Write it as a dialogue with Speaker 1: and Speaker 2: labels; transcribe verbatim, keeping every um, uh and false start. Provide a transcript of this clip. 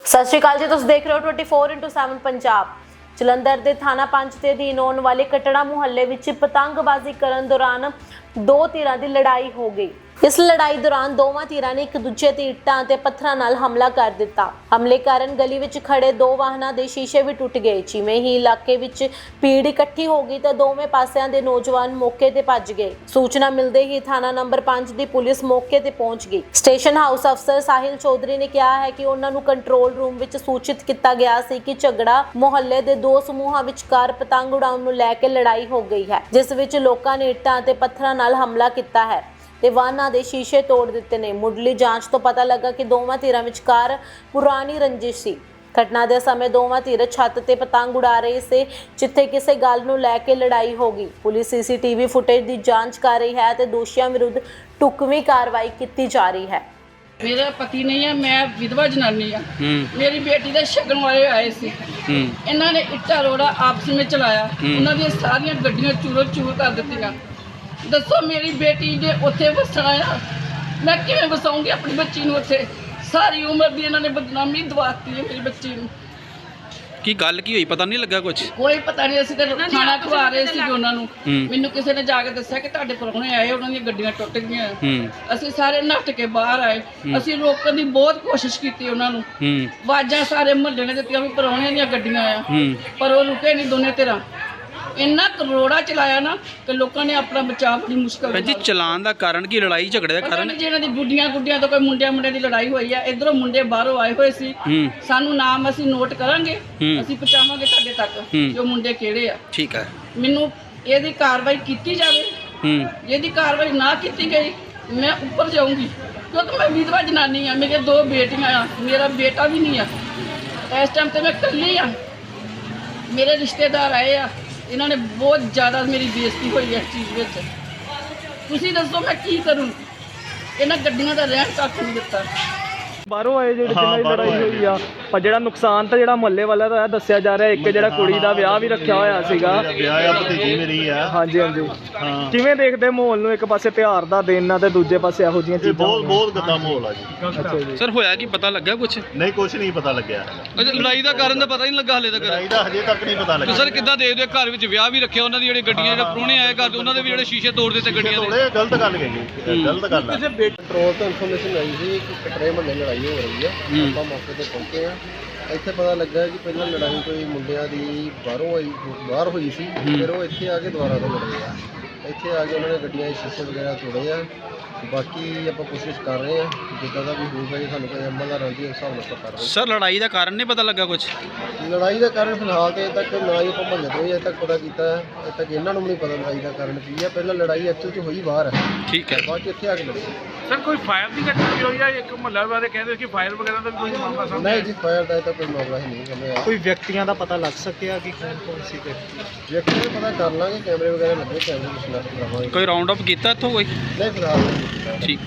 Speaker 1: ਸਤਿ ਸ਼੍ਰੀ ਅਕਾਲ ਜੀ, ਤੁਸੀਂ ਦੇਖ ਰਹੇ ਹੋ चौबीस इंटू सात पंजाब। ਜਲੰਧਰ ਦੇ ਥਾਣਾ ਪੰਜ ਦੇ ਅਧੀਨ ਆਉਣ ਵਾਲੇ ਕਟੜਾ ਮੁਹੱਲੇ ਵਿੱਚ ਪਤੰਗਬਾਜ਼ੀ ਕਰਨ ਦੌਰਾਨ ਦੋ ਧਿਰਾਂ ਦੀ ਲੜਾਈ ਹੋ ਗਈ। ਇਸ ਲੜਾਈ ਦੌਰਾਨ ਦੋਵਾਂ ਧਿਰਾਂ ਨੇ ਇੱਕ ਦੂਜੇ ਤੇ ਇੱਟਾਂ ਅਤੇ ਪੱਥਰਾਂ ਨਾਲ ਹਮਲਾ ਕਰ ਦਿੱਤਾ। ਹਮਲੇ ਕਾਰਨ ਗਲੀ ਵਿੱਚ ਖੜੇ ਦੋ ਵਾਹਨਾਂ ਦੇ ਸ਼ੀਸ਼ੇ ਵੀ ਟੁੱਟ ਗਏ। ਜਿਵੇਂ ਹੀ ਇਲਾਕੇ ਵਿੱਚ ਭੀੜ ਇਕੱਠੀ ਹੋ ਗਈ ਤਾਂ ਦੋਵੇਂ ਪਾਸਿਆਂ ਦੇ ਨੌਜਵਾਨ ਮੌਕੇ ਤੇ ਭੱਜ ਗਏ। ਸੂਚਨਾ ਮਿਲਦੇ ਹੀ ਥਾਣਾ ਨੰਬਰ ਪੰਜ ਦੀ ਪੁਲਿਸ ਮੌਕੇ ਤੇ ਪਹੁੰਚ ਗਈ। ਸਟੇਸ਼ਨ ਹਾਊਸ ਅਫਸਰ ਸਾਹਿਲ ਚੌਧਰੀ ਨੇ ਕਿਹਾ ਹੈ ਕਿ ਉਹਨਾਂ ਨੂੰ ਕੰਟਰੋਲ ਰੂਮ ਵਿੱਚ ਸੂਚਿਤ ਕੀਤਾ ਗਿਆ ਸੀ ਕਿ ਝਗੜਾ ਮੁਹੱਲੇ ਦੇ ਦੋ ਸਮੂਹਾਂ ਵਿਚਕਾਰ ਪਤੰਗ ਉਡਾਉਣ ਨੂੰ ਲੈ ਕੇ ਲੜਾਈ ਹੋ ਗਈ ਹੈ, ਜਿਸ ਵਿੱਚ ਲੋਕਾਂ ਨੇ ਇੱਟਾਂ ਅਤੇ ਪੱਥਰਾਂ ਨਾਲ ਹਮਲਾ ਕੀਤਾ ਹੈ ਤੇ ਵਾਹਨਾਂ ਦੇ ਸ਼ੀਸ਼ੇ ਤੋੜ ਦਿੱਤੇ ਨੇ। ਮੁੱਢਲੀ ਜਾਂਚ ਤੋਂ ਪਤਾ ਲੱਗਾ ਕਿ ਦੋਵਾਂ ਧਿਰਾਂ ਵਿਚਕਾਰ ਪੁਰਾਣੀ ਰੰਜਿਸ਼ ਸੀ। ਘਟਨਾ ਦੇ ਸਮੇਂ ਦੋਵਾਂ ਧਿਰ ਛੱਤ ਤੇ ਪਤੰਗ ਉਡਾ ਰਹੇ ਸੀ, ਜਿੱਥੇ ਕਿਸੇ ਗੱਲ ਨੂੰ ਲੈ ਕੇ ਲੜਾਈ ਹੋ ਗਈ। ਪੁਲਿਸ ਸੀਸੀਟੀਵੀ ਫੁਟੇਜ ਦੀ ਜਾਂਚ ਕਰ ਰਹੀ ਹੈ ਤੇ ਦੋਸ਼ੀਆਂ ਵਿਰੁੱਧ ਢੁਕਵੀਂ ਕਾਰਵਾਈ ਕੀਤੀ ਜਾ ਰਹੀ ਹੈ।
Speaker 2: मेरा पति नहीं है, मैं विधवा जनानी हाँ। मेरी बेटी के शगन वाले आए थे, इन्होंने इट्टा रोड़ा आपस में चलाया, उन्होंने सारिया गड्डियां चूरो चूर कर दी। दसो मेरी बेटी ने उत्थे वसना आ, मैं किवें वसाऊंगी अपनी बच्ची नूं उत्थे? सारी उम्र दी इन्होंने बदनामी दवाती है मेरी बच्ची नूं।
Speaker 3: की गल की हुई पता नहीं लगा कुछ?
Speaker 2: कोई पता नहीं, असं तो खाना खवा रहे थे उन्होंने। मैनू किसी ने जाके दस्सिया कि तुहाडे परौणे आए, उन्होंने गड्डियां टुट गईयां। असीं सारे नੱਠ के बाहर आए, असीं रोकण दी बहुत कोशिश कीती उन्होंने, आवाज़ां सारे मुहल्ले ने दित्तियां भी परौणे दीयां गड्डियां आ, पर वो रुके नहीं दोने धिरां। इन्ना करोड़ा चलाया ना कि लोगों ने अपना बचाव बड़ी मुश्किल
Speaker 3: जी। चलान का कारण की लड़ाई झगड़े का कारण
Speaker 2: जी इन्हां दी गुड्डियां गुड्डियां तो कोई मुंडिया मुंडे दी लड़ाई हुई है। इधरों मुंडे बाहरों आए हुए सी, सानू नाम असीं नोट करांगे, असीं पहुंचावांगे तुहाडे तक जो मुंडे किहड़े आ।
Speaker 3: ठीक है,
Speaker 2: मैनू इहदी कार्रवाई कीती जावे, इहदी कार्रवाई ना कीती गई मैं ऊपर जाऊंगी, क्योंकि मैं विधवा जनानी हाँ, मेरे दो बेटियां आ, मेरा बेटा भी नहीं आ। इस टाइम ते मैं कल्ली हाँ, मेरे रिश्तेदार आए आ, इन्होंने बहुत ज़्यादा मेरी बेइज्जती हुई है इस चीज़ में। तुसीं दसो मैं की करूँ? इन्हां गड्डियां दा रहण तक नहीं दिता।
Speaker 4: ਬਾਹਰੋਂ ਆਏ ਜਿਹੜੇ ਜਿਨ੍ਹਾਂ ਦੀ ਲੜਾਈ ਹੋਈ ਆ, ਪਰ ਜਿਹੜਾ ਨੁਕਸਾਨ ਤਾਂ ਜਿਹੜਾ ਮੁਹੱਲੇ ਵਾਲਾ ਦਾ ਦੱਸਿਆ ਜਾ ਰਿਹਾ, ਇੱਕ ਜਿਹੜਾ ਕੁੜੀ ਦਾ ਵਿਆਹ ਵੀ ਰੱਖਿਆ ਹੋਇਆ ਸੀਗਾ।
Speaker 5: ਵਿਆਹ ਆ, ਭਤੀਜੀ ਮੇਰੀ ਆ।
Speaker 4: ਹਾਂਜੀ ਹਾਂਜੀ, ਕਿਵੇਂ ਦੇਖਦੇ ਮਾਹੌਲ ਨੂੰ? ਇੱਕ ਪਾਸੇ ਤਿਉਹਾਰ ਦਾ ਦਿਨ ਆ ਤੇ ਦੂਜੇ ਪਾਸੇ ਇਹੋ ਜਿਹੀਆਂ ਚੀਜ਼ਾਂ।
Speaker 5: ਬਹੁਤ ਬਹੁਤ ਗੰਦਾ ਮਾਹੌਲ ਆ ਜੀ।
Speaker 4: ਅੱਛਾ ਜੀ
Speaker 3: ਸਰ, ਹੋਇਆ ਕੀ ਪਤਾ ਲੱਗਾ ਕੁਝ?
Speaker 5: ਨਹੀਂ, ਕੁਝ ਨਹੀਂ ਪਤਾ ਲੱਗਿਆ।
Speaker 3: ਅੱਛਾ, ਲੜਾਈ ਦਾ ਕਾਰਨ ਤਾਂ ਪਤਾ ਹੀ ਨਹੀਂ ਲੱਗਾ ਹਲੇ ਤੱਕ?
Speaker 5: ਲੜਾਈ ਦਾ ਹਜੇ ਤੱਕ ਨਹੀਂ ਪਤਾ ਲੱਗਾ।
Speaker 3: ਸਰ, ਕਿੱਦਾਂ ਦੇਖਦੇ ਹੋ? ਘਰ ਵਿੱਚ ਵਿਆਹ ਵੀ ਰੱਖਿਆ, ਉਹਨਾਂ ਦੀ ਜਿਹੜੀ ਗੱਡੀਆਂ ਜਿਹੜੇ ਪ੍ਰਾਹੁਣੇ ਆਏ ਘਰ, ਉਹਨਾਂ ਦੇ ਵੀ ਜਿਹੜੇ ਸ਼ੀਸ਼ੇ ਤੋੜ ਦਿੱਤੇ ਗੱਡੀਆਂ ਦੇ।
Speaker 5: ਥੋੜੇ ਗਲਤ ਗੱਲ ਹੈਗੀ, ਗਲਤ ਗੱਲ ਆ।
Speaker 6: ਕੰਟਰੋਲ ਤੋਂ ਇਨਫੋਰਮੇਸ਼ਨ ਆਈ ਸੀ ਕਿ ਕਟਰੇ ਮੁਹੱਲੇ ਲੜਾਈ ਹੋ ਰਹੀ ਹੈ। ਆਪਾਂ ਮੌਕੇ ਤੇ ਪਹੁੰਚੇ ਆ। ਇੱਥੇ ਪਤਾ ਲੱਗਾ ਕਿ ਪਹਿਲਾਂ ਲੜਾਈ ਕੋਈ ਮੁੰਡਿਆਂ ਦੀ ਬਾਹਰੋਂ ਆਈ ਬਾਹਰ ਹੋਈ ਸੀ, ਫਿਰ ਉਹ ਇੱਥੇ ਆ ਕੇ ਦੁਬਾਰਾ ਤੋਂ ਲੜੇ ਆ। ਇੱਥੇ ਆ ਕੇ ਉਹਨਾਂ ਨੇ ਗੱਡੀਆਂ ਦੇ ਸ਼ੀਸ਼ੇ ਵਗੈਰਾ ਤੋੜੇ ਆ। ਬਾਕੀ ਆਪਾਂ ਕੋਸ਼ਿਸ਼ ਕਰ ਰਹੇ ਆ, ਜਿੱਦਾਂ ਦਾ ਵੀ ਹੋਊਗਾ ਜੇ ਸਾਨੂੰ ਕੋਈ ਅਮਲ ਦਾ ਰਹਿੰਦੀ ਉਸ ਹਿਸਾਬ ਨਾਲ ਆਪਾਂ ਕਰ ਰਹੇ।
Speaker 3: ਸਰ, ਲੜਾਈ ਦਾ ਕਾਰਨ ਨਹੀਂ ਪਤਾ ਲੱਗਾ ਕੁਝ?
Speaker 6: ਲੜਾਈ ਦਾ ਕਾਰਨ ਫਿਲਹਾਲ ਤੇ ਤੱਕ ਨਾ ਹੀ ਆਪਾਂ ਮੁਹੱਲੇ ਤੋਂ ਹੀ ਅਜੇ ਤੱਕ ਪਤਾ ਕੀਤਾ ਹੈ। ਅਜੇ ਤੱਕ ਇਹਨਾਂ ਨੂੰ ਵੀ ਨਹੀਂ ਪਤਾ ਲੜਾਈ ਦਾ ਕਾਰਨ ਕੀ ਹੈ। ਪਹਿਲਾਂ ਲੜਾਈ ਐਕਚੁਅਲ 'ਚ ਹੋਈ ਬਾਹਰ ਹੈ,
Speaker 3: ਠੀਕ ਹੈ,
Speaker 6: ਬਾਅਦ 'ਚ ਇੱਥੇ ਆ ਕੇ ਲੜੀ।
Speaker 7: ਸਰ, ਕੋਈ ਫਾਇਰ ਦੀ ਘਟਨਾ ਵੀ ਹੋਈ ਹੈ? ਇੱਕ ਮੁਹੱਲਾ ਵਾਲੇ ਕਹਿੰਦੇ ਕਿ ਫਾਇਰ ਵਗੈਰਾ ਦਾ ਵੀ ਕੋਈ ਮਾਮਲਾ ਸਾਹਮਣੇ?
Speaker 6: ਨਹੀਂ ਜੀ, ਫਾਇਰ ਦਾ ਤਾਂ ਕੋਈ ਮਾਮਲਾ ਹੀ ਨਹੀਂ ਸਾਹਮਣੇ ਆਇਆ।
Speaker 4: ਕੋਈ ਵਿਅਕਤੀਆਂ ਦਾ ਪਤਾ ਲੱਗ ਸਕਿਆ ਕਿ ਕੌਣ ਕੌਣ ਸੀ?
Speaker 6: ਵਿਅਕਤੀ ਦਾ ਪਤਾ ਕਰ ਲਾਂਗੇ, ਕੈਮਰੇ ਵਗੈਰਾ ਲੱਗੇ, ਕੈਮਰੇ ਵਿੱਚ ਨੱਟ ਕਰਾਵਾਂਗੇ।
Speaker 3: ਕੋਈ ਰਾਉਂਡ ਅਪ ਕੀਤਾ ਇੱਥੋਂ ਕੋਈ?
Speaker 6: ਨਹੀਂ ਫਿਲਹਾਲ ਨਹੀਂ ਕੀਤਾ।
Speaker 3: ਠੀਕ।